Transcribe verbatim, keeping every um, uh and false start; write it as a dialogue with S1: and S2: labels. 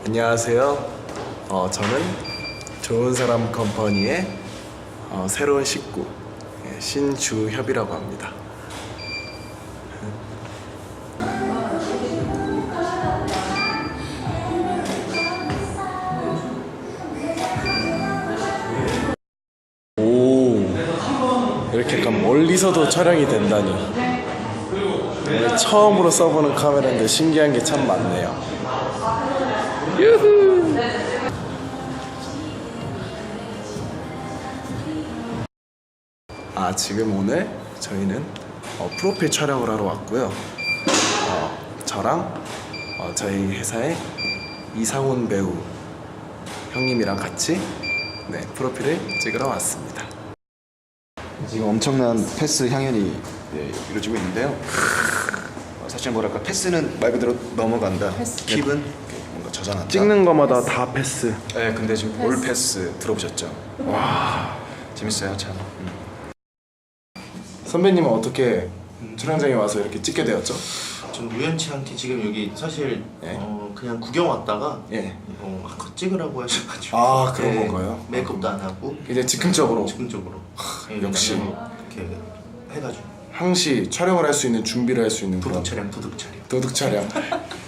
S1: 안녕하세요. 어, 저는 좋은 사람 컴퍼니의 어, 새로운 식구 예, 신주협이라고 합니다. 오, 이렇게 약간 멀리서도 촬영이 된다니. 오늘 처음으로 써보는 카메라인데 신기한 게 참 많네요. 유후. 아, 지금 오늘 저희는 어, 프로필 촬영을 하러 왔고요. 어, 저랑 어, 저희 회사의 이상훈 배우 형님이랑 같이 네, 프로필을 찍으러 왔습니다.
S2: 지금 엄청난 패스 향연이 네, 이루어지고 있는데요. 어, 사실 뭐랄까 패스는 말 그대로 넘어간다.
S3: 패스.
S2: 킵은 뭔가 저장한다.
S1: 찍는 거마다 다 패스.
S2: 네, 근데 지금 올 패스 들어보셨죠? 와, 재밌어요 참. 음.
S1: 선배님은 어떻게 촬영장에 와서 이렇게 찍게 되었죠?
S3: 전 우연치 않게 지금 여기 사실
S1: 예.
S3: 어, 그냥 구경 왔다가
S1: 예.
S3: 어, 아, 그거 찍으라고 하셔가지고
S1: 아, 그런
S3: 네,
S1: 건가요?
S3: 메이크업도 안 하고
S1: 이제 즉흥적으로
S3: 즉흥적으로 예,
S1: 역시.
S3: 그냥 이렇게 해가지고
S1: 항시 촬영을 할 수 있는 준비를 할 수 있는
S3: 도둑
S1: 그런
S3: 촬영 도둑 촬영
S1: 도둑 촬영.